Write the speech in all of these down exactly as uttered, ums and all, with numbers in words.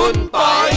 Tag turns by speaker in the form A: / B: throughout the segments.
A: คุณปอย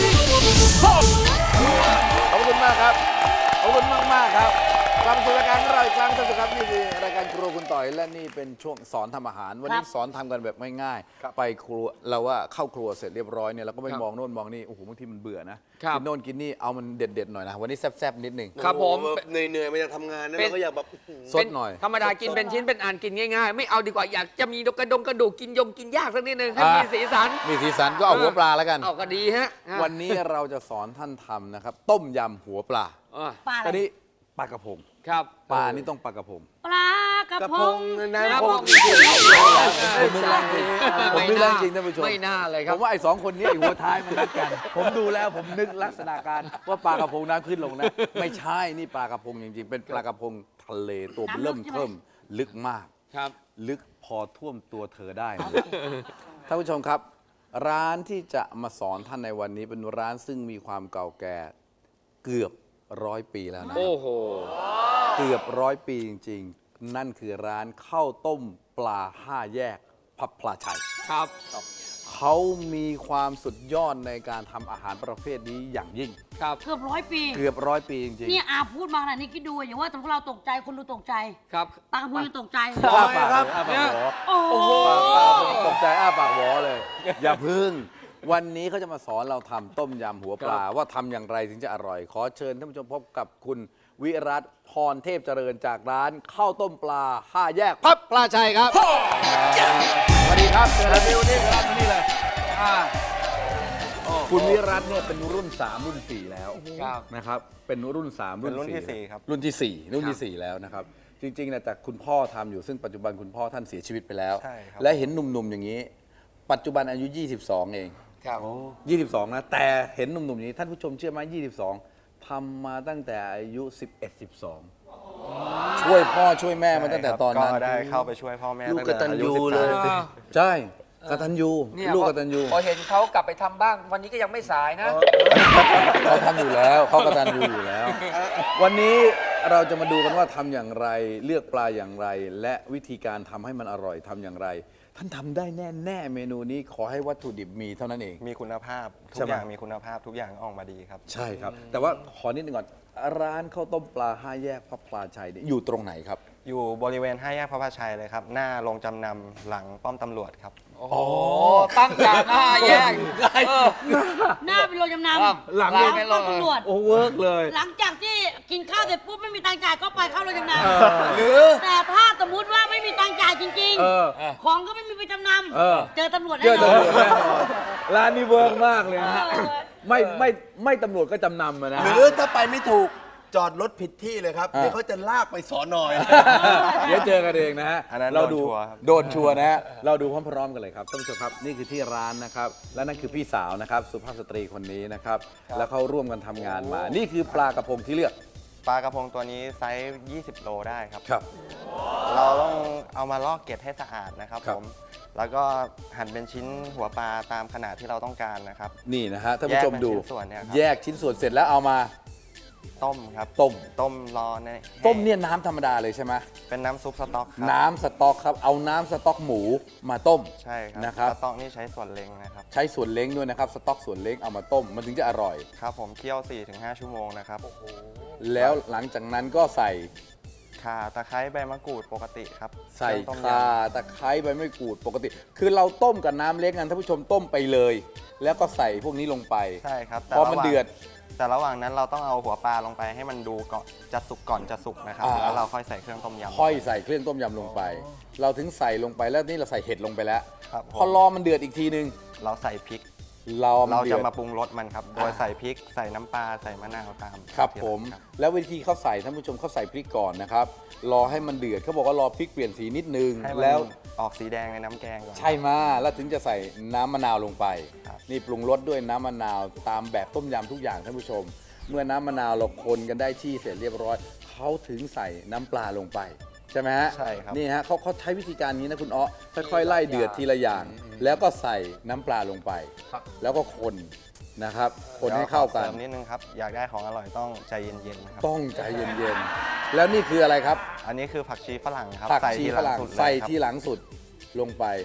B: ขอบคุณมากครับขอบคุณมากมากครับกลับมาสู่รายการของเราอีกครั้งท่านผู้ชมครับนี่คือรายการครัวคุณต่อยและนี่เป็นช่วงสอนทำอาหารวันนี้สอนทำกันแบบง่ายๆไปครัวเราว่าเข้าครัวเสร็จเรียบร้อยเนี่ยเราก็ไม่มองโน่นมองนี่โอ้โหบางทีมันเบื่อนะกินโน่นกินนี่เอามันเด็ดๆหน่อยนะวันนี้แซ่บๆนิดนึง
A: ครับผม
C: เหนื่อยๆมาจากทำงานนะเราก็อยากแบบ
B: สดหน่อย
A: ธรรมดากินเป็นชิ้นเป็นอันกินง่ายๆ ไม่เอาดีกว่าอยากจะมีกระดงกระดูกกินยงกินยากสักนิดนึงให้มีสีสัน
B: มีสีสันก็เอาหัวปลาแล้วกัน
A: เอาก็ดีฮะ
B: วันนี้เราจะสอนท่านทำนะครับต้มยำหัวปลา
D: ปลาอะ
B: ตอน
D: ไร
B: นี้ปลากระพง
A: ครับ
B: ปลานี่ต้องปลากระพง
D: ปลากระ
C: กระ
D: พ
C: พ
D: ง
C: งนะ
A: ครั
C: พ
A: บ
C: ง
A: ผม
B: ผมนึกแรงจริงผมนึกแรงจริงท่านผู้ชม
A: ไม่น่าเลยค
B: ผ
A: รับ
B: มว่าไอ้สองคนนี้ไอ้หัวท้ายมันนัดกัน ผมดูแล้วผมนึกลักษณะการว่าปลากระพงน้ำขึ้นลงนะ ไม่ใช่นี่ปลากระพงจริงๆ เป็นปลากระพงทะเลตัวเริ่มเทิมลึกมาก
A: ครับ
B: ลึกพอท่วมตัวเธอได้เลยท่านผู้ชมครับ ร้านที่จะมาสอนท่านในวันนี้เป็นร้านซึ่งมีความเก่าแก่เกือบร้อยปีแล้วนะ
A: โอ้โห
B: เกือบร้อยปีจริงๆ นั่นคือร้านข้าวต้มปลาห้าแยกพับพลาชัย
A: ครับ
B: เขามีความสุดยอดในการทำอาหารประเภทนี้อย่างยิ่ง
A: ครับ
D: เกือบร้อยปี
B: เกือบร้อยปีจริง
D: เนี่ยอาพูดมาขนาดนี้คิดดูอย่างว่าแต่พวกเราตกใจคนดูตกใจ
A: ครับ
D: ปลากระพงยังตกใจ
B: ๆอ้าปากเลยอ้าปากหวอ
D: โอ้โห
B: ตกใจอ้าปากหวอเลย อย่าพึ่ง วันนี้เขาจะมาสอนเราทำต้มยำหัวปลา ว่าทำอย่างไรถึงจะอร่อย ขอเชิญท่านผู้ชมพบกับคุณวิรัตพรเทพเจริญจากร้านข้าวต้มปลาห้าแยกพับปลาชัยครับสวัสดีครับเชิญเลยวันนี้ครับวันนี้เลยอ่าคุณวิรัตเนี่ยเป็นรุ่นสามรุ่นสี่แล้ว
A: ครับ
B: นะครับเป็นรุ่นสาม
C: เป็นรุ่นที่สี่ครับ
B: รุ่นที่สี่รุ่นที่สี่แล้วนะครับจริงๆนะแต่คุณพ่อทำอยู่ซึ่งปัจจุบันคุณพ่อท่านเสียชีวิตไปแล้ว
C: ใช่ครับ
B: และเห็นหนุ่มๆอย่างนี้ ปัจจุบันอายุ ยี่สิบสอง เอง
A: ครับ
B: ยี่สิบสอง นะ แต่เห็นหนุ่มๆอย่างนี้ท่านผู้ชมเชื่อไหมยี่สิบสอง ทำมาตั้งแต่อายุ สิบเอ็ด สิบสอง ช่วยพ่อช่วยแม่มาตั้งแต่ตอนนั้น
C: ก็ได้เข้าไปช่วยพ่อแม่
B: ลูก
C: ตั้งแต่
B: กตัญญู
C: อา
B: เลย
C: สิบสาม
B: ใช่กตัญญู
A: เนี่ย
B: ลูกกตัญญู
A: พอเห็นเขากลับไปทำบ้าง วันนี้ก็ยังไม่สายนะ
B: เขาทำอยู่แล้วเขากตัญญูอยู่แล้ว วันนี้เราจะมาดูกันว่าทำอย่างไรเลือกปลาอย่างไร และวิธีการทำให้มันอร่อยทำอย่างไร ท่านทำได้แน่แน่ๆเมนูนี้ขอให้วัตถุดิบมีเท่านั้นเอง
C: มีคุณภาพ ทุ
B: ใช่
C: ก
B: ไหม
C: อย่างมีคุณภาพทุกอย่างออกมาดีครับ
B: ใช่ครับ แต่ว่าขอนิดนึงก่อนร้านข้าวต้มปลาห้าแยกพระพลาชัยเนี่ยอยู่ตรงไหนครับ
C: อยู่บริเวณห้าแยกพระพาชัยเลยครับ หน้าโรงจำนำหลังป้อมตำรวจครับ
A: โอ้โห ตั้งจากหน้าแยกเออ
D: หน้าเป็นโรงจำน
A: ครับ
D: ำ
B: หลัง
D: หลัง
A: เป็น
D: ต้
A: โร
D: อง งตำรวจ
B: โอ้เวิร์กเลย
D: หลังจากที่กินข้าวเสร็จปุ๊บไม่มีตังค์จ่ายก็ไปเข้าโรงจำน
B: หรือ
D: ำแต่ถ้าสมมติว่าไม่มีตังค์จ่ายจริง
B: เออ
D: ๆ ของก็ไม่มีไปจำน
B: เออ
D: ำเจอตำรวจ
B: เจ
D: แน่
B: อน
D: อ
B: ตำรวจ
D: น
B: แน่นอนร้านนี้เวิร์กมากเลยนะฮะ
D: เออ
B: ไม่ไม่ไม่ตำรวจก็จำนำอะนะ
E: หรือถ้าไปไม่ถูกจอดรถผิดที่เลยครับ
B: อ่า
E: เดี๋ยวเขาจะลากไปสอนอย
B: เดี๋ยวเจอกันเองนะฮะ
C: อันนั้น
B: เราดู
C: โดนชัวร์ครับ
B: โดนชัวร์นะฮะเราดูพร้อมๆกันเลยครับท่านผู้ชมครับนี่คือที่ร้านนะครับและนั่นคือพี่สาวนะครับสุภาพสตรีคนนี้นะครับแล้วเขาร่วมกันทำงานมา นี่คือปลากระพงที่เลือก
C: ปลากระพงตัวนี้ไซส์ยี่สิบโลได้ครับ
B: ครับ
C: เราต้องเอามาลอกเกล็ดให้สะอาดนะครับ
B: ครับ
C: ผม แล้วก็หั่นเป็นชิ้นหัวปลาตามขนาดที่เราต้องการนะครับ
B: นี่นะฮะท่านผู้ชมดู
C: แยกเป็นชิ้นส่วนเนี่ยครับ
B: แยกชิ้นส่วนเสร็จแล้วเอามา
C: ต้มครับ
B: ต้ม
C: ต้มรอใน
B: ต้มเนี่ยน้ำธรรมดาเลยใช่ไหม
C: เป็นน้ำซุปสต๊อกครับ
B: น้ำสต๊อกครับเอาน้ำสต๊อกหมูมาต้ม
C: ใช่ครับ
B: นะครับ
C: สต๊อกนี่ใช้ส่วนเล็งนะครับ
B: ใช้ส่วนเล้งด้วยนะครับสต๊อกส่วนเล้งเอามาต้มมันถึงจะอร่อย
C: ครับผมเคี่ยว สี่ถึงห้า ชั่วโมงนะครับ
B: แล้วหลังจากนั้นก็ใส่
C: ข่าตะไคร้ใบมะกรูดปกติครับ
B: ใส่
C: เครื่องต้มยำ
B: ข่าตะไคร้ใบมะกรูดปกติ คือเราต้มกับน้ำเล็กนั้นท่านผู้ชมต้มไปเลย แล้วก็ใส่พวกนี้ลงไป
C: ใช่ครับ
B: พอมัน
C: ระหว่าง
B: เดือด
C: แต่ระหว่างนั้นเราต้องเอาหัวปลาลงไปให้มันดูก่อนจะสุกก่อนจะสุกนะครับ
B: อ่า
C: แล้วเราค่อยใส่เครื่องต้มยำ
B: ค่อยใส่เครื่องต้มยำลงไป เราถึงใส่ลงไปแล้วนี่เราใส่เห็ดลงไปแล้ว
C: ครับผม
B: พอรอมันเดือดอีกทีนึง
C: เราใส่พริก
B: เรามัน
C: เรา
B: เดื
C: จะ
B: อด
C: มาปรุงรสมันครับ โดยใส่พริกใส่น้ำปลาใส่มะนาวตาม
B: ครับ
C: ที่
B: ผม
C: ครับ
B: แล้ววิธีเขาใส่ท่านผู้ชมเขาใส่พริกก่อนนะครับรอให้มันเดือดเขาบอกว่ารอพริกเปลี่ยนสีนิดนึง
C: ให้มัน
B: แล้ว
C: ออกสีแดงในน้ำแกงก่อน
B: ใช่มาแล้วถึงจะใส่น้ำมะนาวลงไป
C: ครับ
B: นี่ปรุงรสด้วยน้ำมะนาวตามแบบต้มยำทุกอย่างท่านผู้ชม เมื่อน้ำมะนาวเราคนกันได้ที่เสร็จเรียบร้อยเขาถึงใส่น้ำปลาลงไปใช่ไหมฮะ
C: ใช่ครับ
B: นี่ฮะเขาเขาใช้วิธีการนี้นะคุณอ๊อค่อยๆไล่เดือดทีละอย่าง แล้วก็ใส่น้ำปลาลงไป แล้วก็คนนะครับคนให้เข้ากัน
C: เดี๋ยวขอเสริมนิดนึงครับ อยากได้ของอร่อยต้องใจเย็นๆนะครับ
B: ต้องใจเย็นๆแล้วนี่คืออะไรครับ
C: อันนี้คือผักชีฝรั่งครับ
B: ผัก
C: ใส่
B: ชี
C: ทีห
B: ฝ
C: ลัง
B: รั่ง
C: สุดเลย
B: ใส่
C: ครับ
B: ทีหลังสุดลงไป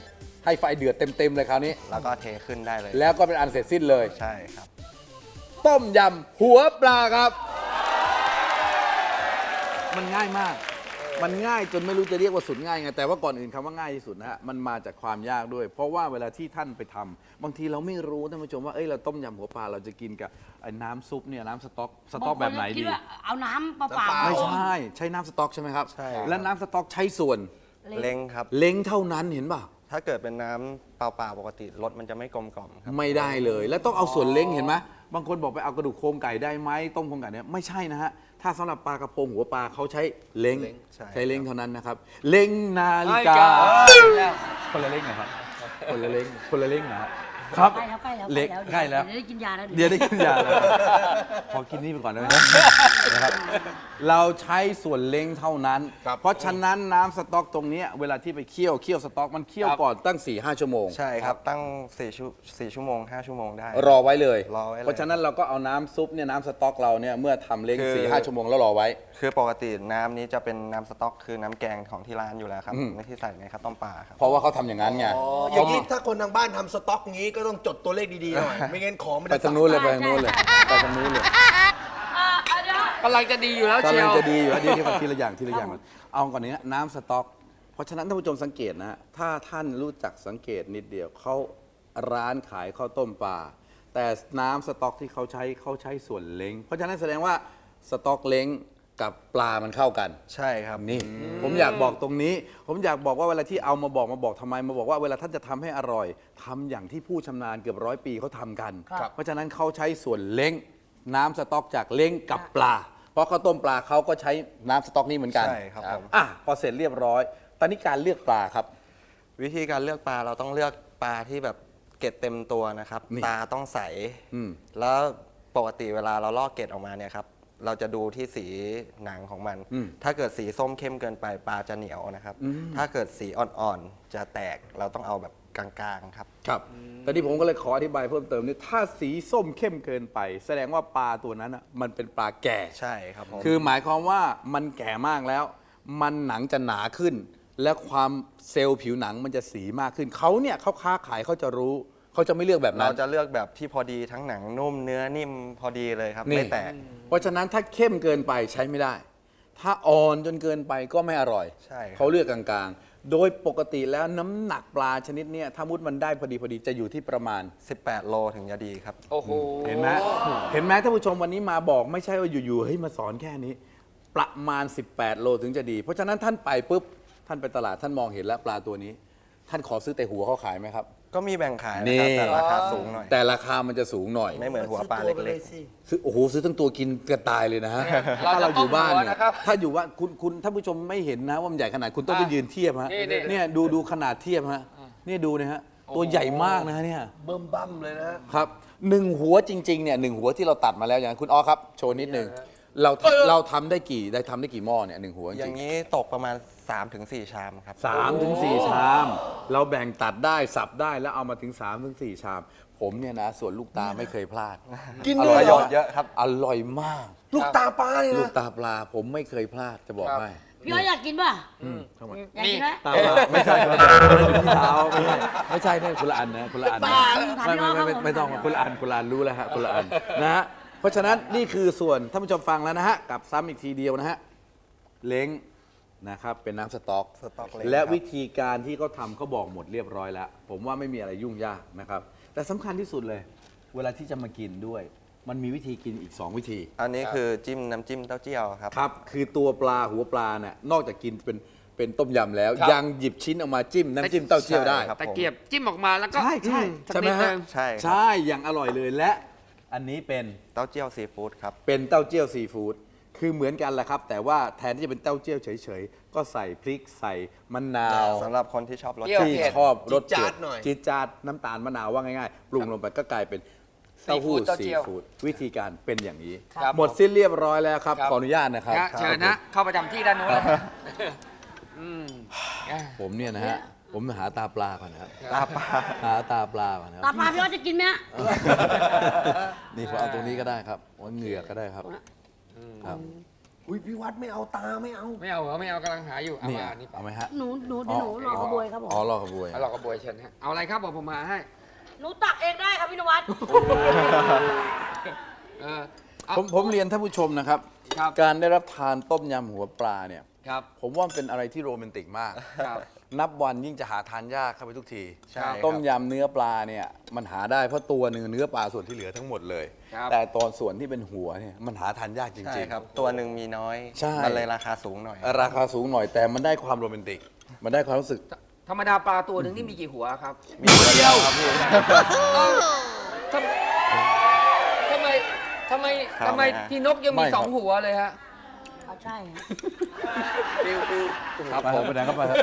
B: ให้ไฟเดือดเต็มๆเลยคราวนี้
C: แล้วก็เทขึ้นได้เลย
B: แล้วก็เป็นอันเสร็จสิ้นเลย
C: ใช่ครับ
B: ต้มยำหัวปลาครับ มันง่ายมาก มันง่ายจนไม่รู้จะเรียกว่าสุดง่ายไง แต่ว่าก่อนอื่นคำว่าง่ายที่สุดนะฮะ มันมาจากความยากด้วย เพราะว่าเวลาที่ท่านไปทำบางทีเราไม่รู้ท่านผู้ชมว่า เอ้ย เราต้มยำหัวปลาเราจะกินกับไอ้น้ำซุปเนี่ยน้ำสต๊อก สต๊อกแบบไหน
D: างคก็คิ
B: ดี
D: ว่าเอาน้ำเปล่าๆ
B: ไม่ใช่ ใช้น้ำสต๊อกใช่ไหมครับ
C: ใช่ครับ
B: และน้ำสต๊อกใช้ส่วน
C: เล้งครับ
B: เล้งเท่านั้นเห็นป่ะ
C: ถ้าเกิดเป็นน้ำเปล่าๆปกติรสมันจะไม่กลมกล่อมครับ
B: ไม่ได้เลย แล้วต้องเอาส่วนเล้งเห็นไหมบางคนบอกไปเอากระดูกโครงไก่ได้ไหมต้มโครงไก่เนี่ยไม่ใช่นะฮะ ถ้าสำหรับปลากระพงหัวปลาเขาใช้เล้ง
C: ใช่
B: ใช้เล้งเท่านั้นนะครับ เล้งนาฬิกา คนละเล้งเหรอครับ คนละเล้งคนละเล้งนะฮะครับ
D: ใกล้แล้วใกล้แล้ว
B: เล็กใกล้แล้ว
D: เดี๋ยวได้กินยาแล้ว
B: เดี๋ยวได้กินยาแล้วขอกินนี่ไปก่อนได้ไหมนะครับ เราใช้ส่วนเล้งเท่านั้น เพราะฉะนั้นน้ำสต๊อกตรงเนี้ยเวลาที่ไปเคี่ยวเคี่ยวสต๊อกมันเคี่ยวก่อนตั้ง 4-5 ชั่วโมง
C: ใช่ครับตั้งสี่ชั่วสี่ชั่วโมงห้าชั่วโมงได้
B: รอไว้เลย
C: รอไว้เลย
B: เพราะฉะนั้นเราก็เอาน้ำซุปเนี่ยน้ำสต๊อกเราเนี่ยเมื่อทำเล้ง
C: คือ
B: สี่ห้าชั่วโมงแล้วรอไว้
C: คือปกติน้ำนี้จะเป็นน้ำสต๊อกคือน้ำแกงของที่ร้านอยู่แล้วครับ
B: อืม
C: ไม่ที่ใส่ในข้าวต้มปลาครับ
B: เพราะว่าเขาทำอย่างนั้นไง
E: อ๋ออย่างนี้ถ้าคนทางบ้านทำสต็อกงี้ก็ต้องจดตัวเลขดีๆหน่อย ไม่งั้นของมัน
B: ไป
E: จะ
B: ทางนู้นเลยไปทางนู้นเลยไปทางนู้นเลย
D: อ่าเอาเดี๋ยว
A: กำลังจะดีอยู่แล้ว
B: กำ
A: เชี
B: ลั
A: ย
B: ง
A: ว
B: จะดีอยู่แล้วเดี๋ยวทีละอย่างทีละอย่างก่อนเอาก่อนนี้น้ำสต๊อก เพราะฉะนั้นท่านผู้ชมสังเกตนะฮะถ้าท่านรู้จักสังเกตนิดเดียวเขาร้านขายข้าวต้มปลาแต่น้ำสต๊อกที่เขาใช้เขาใช้ส่วนเล้งเพราะฉะนั้นแสดงว่าสต๊อกเล้งกับปลามันเข้ากัน
C: ใช่ครับ
B: นี่ผมอยากบอกตรงนี้ ผมอยากบอกว่าเวลาที่เอามาบอกมาบอกทำไมมาบอกว่าเวลาท่านจะทำให้อร่อยทำอย่างที่ผู้ชำนาญเกือบร้อยปีเขาทำกัน เพราะฉะนั้นเขาใช้ส่วนเล้งน้ำสต๊อกจากเล้งกับปลา เพราะข้าวต้มปลาเขาก็ใช้น้ำสต๊อกนี้เหมือนกัน
C: ใช่ครับผม
B: อ่ะพอเสร็จเรียบร้อย ตอนนี้การเลือกปลาครับ
C: วิธีการเลือกปลาเราต้องเลือกปลาที่แบบเกล็ดเต็มตัวนะครับ
B: นี่
C: ตาต้องใส
B: อืม
C: แล้วปกติเวลาเราลอกเกล็ดออกมาเนี่ยครับเราจะดูที่สีหนังของมัน
B: อืม
C: ถ้าเกิดสีส้มเข้มเกินไปปลาจะเหนียวนะครับ ถ้าเกิดสีอ่อนๆจะแตกเราต้องเอาแบบกลางๆครับ
B: ครับตอนนี้ผมก็เลยขออธิบายเพิ่มเติมนี่ถ้าสีส้มเข้มเกินไป แสดงว่าปลาตัวนั้นอ่ะมันเป็นปลาแก่
C: ใช่ครับผม
B: คือหมายความว่ามันแก่มากแล้ว มันหนังจะหนาขึ้น และความเซลล์ผิวหนังมันจะสีมากขึ้น เขาเนี่ยเขาค้าขายเขาจะรู้ เขาจะไม่เลือกแบบนั้
C: เรา
B: น
C: จะเลือกแบบที่พอดีทั้งหนังนุ่มเนื้อนิ่มพอดีเลยครับ
B: นี่
C: ไม่แตก
B: เพราะฉะนั้นถ้าเข้มเกินไปใช้ไม่ได้ ถ้าอ่อนจนเกินไปก็ไม่อร่อย
C: ใช่ครับ
B: เขาเลือกกลางๆ โดยปกติแล้วน้ำหนักปลาชนิดเนี้ยถ้ามุดมันได้พอดีพอดีจะอยู่ที่ประมาณ
C: สิบแปดโลถึงจะดีครับ
A: โอ้โห
B: เห็นไหมเห็นไหมท่านผู้ชมวันนี้มาบอกไม่ใช่ว่าอยู่ๆเฮ้ยมาสอนแค่นี้ ประมาณ สิบแปด โลถึงจะดี เพราะฉะนั้นท่านไปปุ๊บท่านไปตลาดท่านมองเห็นแล้วปลาตัวนี้ ท่านขอซื้อแต่หัวเขาขายไหมครับ
C: ก็มีแบ่งขายนะครับ
B: นี่
C: แต่ราคาสูงหน่อย
B: แต่ราคามันจะสูงหน่อย
C: ไม่เหมือนหัวปลา
E: ซื้อตัวไป
C: เล็ก
E: ยสิ
B: ซื้อโอ้โหซื้อทั้งตัวกินกระตายเลยนะฮะ
A: เรา
B: ถ้า
A: จะ
B: เราอยู่บ้าน
A: ต้มหัว
B: เนี่ย
A: นะครับ
B: ถ้าอยู่ว่าคุณคุณท่านผู้ชมไม่เห็นนะว่ามันใหญ่ขนาดคุณต้องไป
A: อ่ะ
B: ยืนเทียบฮะ
A: นี่นี่
B: เนี่ยดูดูขนาดเทียบฮะนี่ดูนะฮะตัวใหญ่มากนะฮะเนี่ย
E: เบิ่มบั่มเลยนะ
B: ครับหนึ่งหัวจริงๆเนี่ยหนึ่งหัวที่เราตัดมาแล้วอย่างคุณอ้อครับโชว์นิดนึงเราเราทำได้กี่ได้ทำได้กี่หม้อเนี่ยหนึ่งหัวจ
C: ๆ อ
B: ริ
C: ย่าง งนี้ตกประมาณ สามถึงสี่ ชามครับ
B: สามถึงสี่ชาม เราแบ่งตัดได้สับได้แล้วเอามาถึงสามถึงสี่ชาม ผมเนี่ยนะส่วนลูกตาไม่เคยพลาด
E: กิน
B: อ
E: ด้
B: ร่
E: ว
B: อย ย
E: เหรอ
C: เยอะครับ
B: อร่อยมาก
E: ลูกตาปลาเนี่ย
B: ลูก
E: นะ
B: ตาปลาผมไม่เคยพลาดจะบอกให้
D: พี่อ้อยอยากกินป่ะ
B: ทำไม
D: อยากกินไหม
B: ตาปลาไม่ใช่คนละอันอยู่ที่เท้าไม่ใช่ไม่ใช่เนี่ยคนละอันนะคนละอันนะ
D: ถาม
B: ไม่
D: พี่อ้
B: ไม่
D: อย
B: ไม่ไม่ต้องคนละอันคนละอันรู้แล้วฮะคนละอันนะฮะเพราะฉะนั้นนี่คือส่วนท่านผู้ชมฟังแล้วนะฮะกับซ้ำอีกทีเดียวนะฮะเล้งนะครับเป็นน้ำสต๊อก
C: สต๊อกเล้ง
B: และ
C: ครับ
B: วิธีการที่เขาทำเขาบอกหมดเรียบร้อยแล้ว ผมว่าไม่มีอะไรยุ่งยากนะครับแต่สำคัญที่สุดเลย เวลาที่จะมากินด้วย มันมีวิธีกินอีก สอง วิธี
C: อันนี้คือจิ้มน้ำจิ้มเต้าเจี้ยวครับ
B: ครับคือตัวปลาหัวปลาเนี่ยนอกจากกินเป็นเป็นต้มยำแล้ว
A: ครับ
B: ยังหยิบชิ้นออกมาจิ้มน้ำจิ้มเต้าเจี้ยวได้
C: ใช่ครับ
A: ตะเกียบจิ้มออกมาแล้วก็
B: ใช่ใช่
A: อืมสัก
B: ใช่ไหม
A: นิด
B: ฮะ
A: นึง
C: ใช่ครับ
B: ใช่อย่างอร่อยเลยและอันนี้เป็น
C: เต้าเจี้ยวซีฟู้ดครับ
B: เป็นเต้าเจี้ยวซีฟู้ดคือเหมือนกันแหละครับ แต่ว่าแทนที่จะเป็นเต้าเจี้ยวเฉยๆ ก็ใส่พริกใส่มะนาว
C: สำหรับคนที่ชอบรส
A: เปรี้ยว
B: ที่
C: จัด
A: เผ็ด
B: ชอบรส
E: จี๊ดจ๊า
B: เผ็
E: ดหน่อย
B: จี๊ดจ๊าดน้ำตาลมะนาวว่าง่ายๆ ปรุงลงไปก็กลายเป็นเต้าหู้
A: ซีฟู้ดเต้า
B: ซี
A: เจี้ยว
B: ฟู้ดวิธีการเป็นอย่างนี้
A: ครับ
B: หมดสิ้นเรียบร้อยแล้วครับ
A: ครับ
B: ขออนุญาตนะครับ
A: นะเชิญนะเข้าประจำที่ด้านนู้นเลยอืมอ่ะ
B: ผมเนี่ยนะฮะผมหาตาปลาก่อนนะครับ
C: ตาปลา
B: หาตาปลาก่อนนะค
D: ตา
B: รับ
D: ปลาพี่อ้อยจะกินไหมฮะ
B: นี่ผมเอาตรงนี้ก็ได้ครับว่าเหงือกก็ได้ครับครับ
E: อุ้ยพี่วัดไม่เอาตาไม่เอา
A: ไม่เอาเหรอไม่เอากำลังหาอยู่เอา
B: นี่
A: มานี่
B: เอาไหมฮะ
D: หนูหนูเดี๋ยวหนูรอกระบวยครับผม
B: อ๋อรอกระบวย
A: เอาหลอกกระบวยเชิญฮะเอาอะไรครับบอกผมมาให้
D: หนูตักเองได้ครับพี่นวัด
A: เออเอา
B: ผมผมเรียนท่านผู้ชมนะครับ
A: ครับ
B: การได้รับทานต้มยำหัวปลาเนี่ย
A: ครับ
B: ผมว่ามันเป็นอะไรที่โรแมนติกมาก
A: ครับ
B: นับวันยิ่งจะหาทานยากเข้าไปทุกที
C: ใช่ครับ
B: ต้มยำเนื้อปลาเนี่ยมันหาได้เพราะตัวหนึ่งเนื้อปลาส่วนที่เหลือทั้งหมดเลย
A: ครับ
B: แต่ตอนส่วนที่เป็นหัวเนี่ยมันหาทานยากจ
C: ใช่
B: ริง
C: ครับ ตัวหนึ่งมีน้อย
B: ใช่
C: มันเลยราคาสูงหน่อย
B: ๆราคาสูงหน่อยแต่มันได้ความโรแมนติก มันได้ความรู้สึก
A: ธรรมดาปลาตัวหนึ่งนี่มีกี่หัวครับ
B: มีหัวเดียวครับพี่
A: เอ้าทำทำไมทำไม
C: ครับ
A: ทำไมพี่นกยัง
B: ไม่
A: มี
B: ครับ
A: สองหัวเลยฮะ
D: เอาใช่ฮะ
E: ฟิวฟิว
B: ครับผมไปไหนก็ไปครับ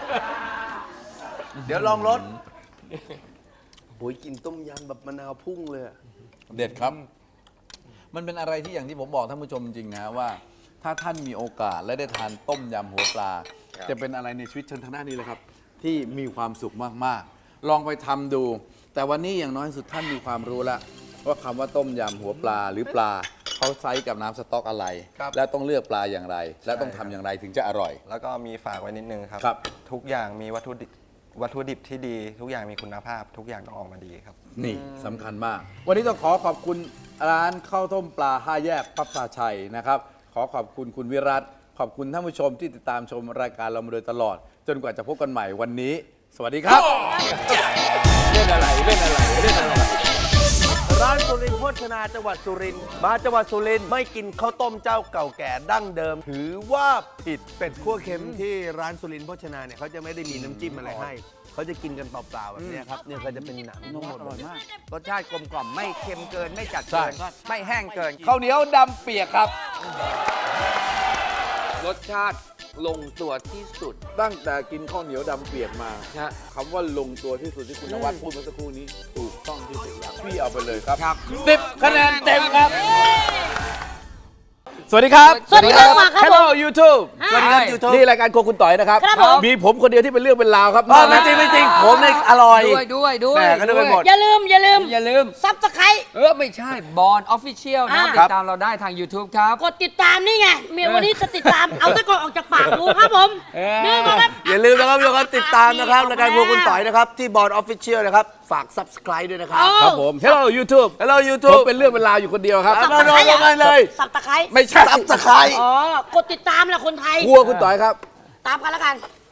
E: เดี๋ยวลองรสโอ้ยกินต้มยำแบบมะนาวพุ่งเลยอะ
B: เด็ดครับ มันเป็นอะไรที่อย่างที่ผมบอกท่านผู้ชมจริงๆนะว่า ถ้าท่านมีโอกาสและได้ทานต้มยำหัวปลา จะเป็นอะไรในชีวิตเชิญทางด้านนี้เลยครับ ที่มีความสุขมากๆ ลองไปทำดู แต่วันนี้อย่างน้อยสุดท่านมีความรู้แล้วว่าคำว่าต้มยำหัวปลาหรือปลาเขาใช้กับน้ำสต๊อกอะไร และต้องเลือกปลาอย่างไร และต้องทำอย่างไรถึงจะอร่อย
C: แล้วก็มีฝากไว้นิดนึงครับ
B: ครับ
C: ทุกอย่างมีวัตถุดิบวัตถุดิบที่ดี ทุกอย่างมีคุณภาพ ทุกอย่างต้องออกมาดีครับ
B: นี่สำคัญมาก วันนี้ต้องขอขอบคุณร้านข้าวต้มปลาห้าแยกพับพลาชัยนะครับ ขอขอบคุณคุณวิรัตขอบคุณท่านผู้ชมที่ติดตามชมรายการเรามาโดยตลอด จนกว่าจะพบกันใหม่วันนี้ สวัสดีครับ เล่นอะไรเล่นอะไรเล่นอะไร
E: ร้านสุรินทร์โภชนาจังหวัดสุรินทร์มาจังหวัดสุรินทร์ไม่กินข้าวต้มเจ้าเก่าแก่ดั้งเดิม ถือว่าผิดเป็ดคั่วเค็มที่ร้านสุรินทร์โภชนาเนี่ยเขาจะไม่ได้มีน้ำจิ้มอะไรให้เขาจะกินกันเปล่าๆแบบเนี้ยครับเนี่ยก็จะเป็นหนังทั้งหมดเลย
F: รสชาติกลมกล่อมไม่เค็มเกินไม่จัด
B: ใช่
F: เกินก็ไม่แห้งเกิน
B: ข้าวเหนียวดำเปียกครับ
A: รสชาติลงตัวที่สุด
B: ตั้งแต่กินข้าวเหนียวดำเปียกมา
A: นะ
B: คำว่าลงตัวที่สุดที่คุณนวัดพูดเมื่อสักครู่นี้ถูกต้องที่สุดแล้วพี่เอาไปเลยครับ
A: ครับ
B: สิบคะแนนเต็มครับ สวัสดีครับ
D: สวัสดีครับมาครับผม
B: Hello YouTube
D: สวัสดีครับ
B: YouTube นี่รายการโครัวคุณต่อยนะครับ
D: ครับผม
B: มีผมคนเดียวที่เป็นเรื่องเป็นราวครับ
E: ไม่จริงไม่จริงผมเนี่ยอร่อย
A: ด้วยด้วยด้วย
E: แหม่ก็นึกไปหมด
D: อย่าลืมอย่าลืม
A: อย่าลืม
D: ซับสไคร
A: เออ ไม่ใช่บอลออฟฟิเชียลนะ
D: อ่า
A: ติดตามเราได้ทาง YouTube ครับ
D: กดติดตามนี่ไงเมียวันนี้จะติดตาม เอาตะกอนออกจากปากดูครับผม
A: เออ
D: นี่มาครับ
E: อย่าลืมนะครับทุกคนติดตามนะครับรายการครัวคุณต่อยนะครับที่บอร์ดออฟฟิเชียลนะครับฝาก Subscribe ด้วยนะครับ
B: ครับผม Hello YouTube
E: Hello
B: ผม
E: YouTube
B: เป็นเรื่องเป็นราวอยู่คนเดียวครับ
E: เอาเอาเอาเอาเลย
D: สับตะไคร้
B: ไม่ใช่
E: Subscribe
D: อ๋อกดติดตามแหละคนไทย
B: ครัวคุณต่อยครับ
D: ตามกันแล้วกัน